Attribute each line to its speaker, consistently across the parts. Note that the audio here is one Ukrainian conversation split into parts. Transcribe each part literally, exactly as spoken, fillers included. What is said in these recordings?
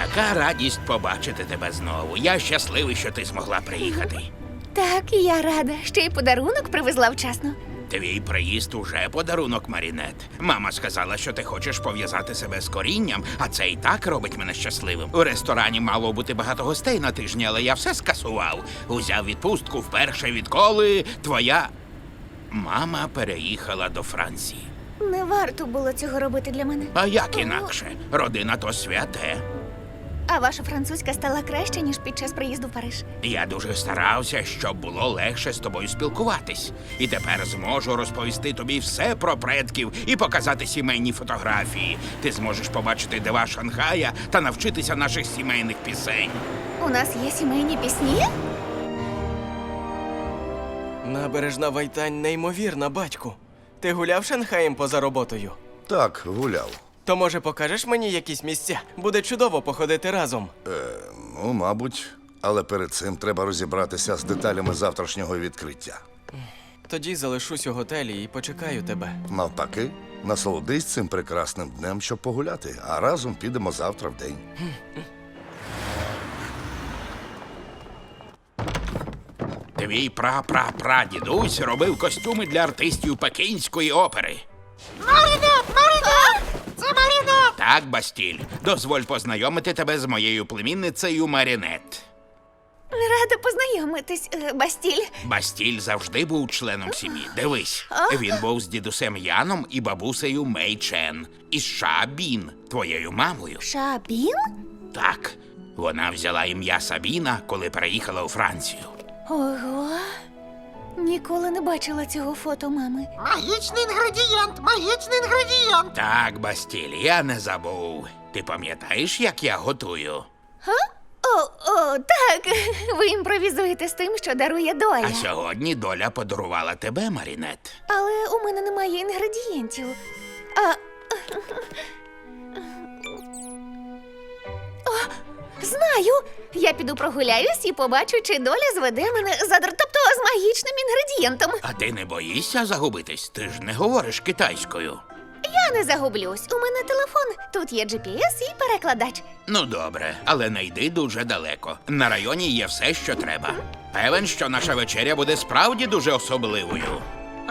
Speaker 1: Яка радість побачити тебе знову. Я щасливий, що ти змогла приїхати.
Speaker 2: Так, я рада. Ще й подарунок привезла вчасно.
Speaker 1: Твій приїзд уже подарунок, Марінет. Мама сказала, що ти хочеш пов'язати себе з корінням, а це і так робить мене щасливим. У ресторані мало бути багато гостей на тижні, але я все скасував. Узяв відпустку вперше, відколи твоя мама переїхала до Франції.
Speaker 2: Не варто було цього робити для мене.
Speaker 1: А як інакше? Родина то святе.
Speaker 2: А ваша французька стала краще, ніж під час приїзду в Париж.
Speaker 1: Я дуже старався, щоб було легше з тобою спілкуватись. І тепер зможу розповісти тобі все про предків і показати сімейні фотографії. Ти зможеш побачити дива Шанхая та навчитися наших сімейних пісень.
Speaker 2: У нас є сімейні пісні?
Speaker 3: Набережна Вайтань неймовірна, батьку. Ти гуляв Шанхаєм поза роботою?
Speaker 4: Так, гуляв.
Speaker 3: То, може, покажеш мені якісь місця? Буде чудово походити разом.
Speaker 4: Е, ну, мабуть. Але перед цим треба розібратися з деталями завтрашнього відкриття.
Speaker 3: Тоді залишусь у готелі і почекаю тебе.
Speaker 4: Навпаки, насолодись цим прекрасним днем, щоб погуляти, а разом підемо завтра в день.
Speaker 1: Твій пра-пра-прадідусь робив костюми для артистів Пекінської опери.
Speaker 2: Марінет! Марінет! Це Марінет!
Speaker 1: Так, Бастіль, дозволь познайомити тебе з моєю племінницею Марінет.
Speaker 2: Рада познайомитись, е, Бастіль.
Speaker 1: Бастіль завжди був членом сім'ї. Дивись, він був з дідусем Яном і бабусею Мей Чен. І з Ша Бін, твоєю мамою.
Speaker 2: Шабін?
Speaker 1: Так, вона взяла ім'я Сабіна, коли переїхала у Францію.
Speaker 2: Ого. Ніколи не бачила цього фото мами.
Speaker 5: Магічний інгредієнт! Магічний інгредієнт!
Speaker 1: Так, Бастіль, я не забув. Ти пам'ятаєш, як я готую?
Speaker 2: О, о, так. Ви імпровізуєте з тим, що дарує доля.
Speaker 1: А сьогодні доля подарувала тебе, Марінет.
Speaker 2: Але у мене немає інгредієнтів. А... О, знаю! Я піду прогуляюсь і побачу, чи доля зведе мене за др- тобто з магічним інгредієнтом.
Speaker 1: А ти не боїшся загубитись? Ти ж не говориш китайською.
Speaker 2: Я не загублюсь. У мене телефон. Тут є джі пі ес і перекладач.
Speaker 1: Ну, добре, але не йди дуже далеко. На районі є все, що треба. Певен, що наша вечеря буде справді дуже особливою.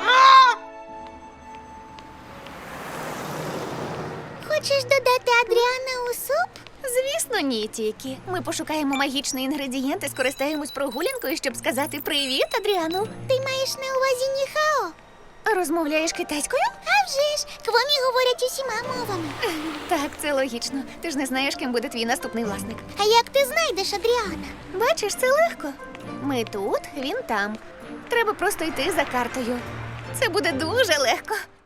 Speaker 2: Хочеш додати Адріана у суп? Звісно, ні, тільки. Ми пошукаємо магічний інгредієнт і скористаємось прогулянкою, щоб сказати привіт, Адріану. Ти маєш на увазі ніхао? Розмовляєш китайською? А вже ж, квомі говорять усіма мовами. Так, це логічно. Ти ж не знаєш, ким буде твій наступний власник.
Speaker 6: А як ти знайдеш Адріана?
Speaker 2: Бачиш, це легко. Ми тут, він там. Треба просто йти за картою. Це буде дуже легко.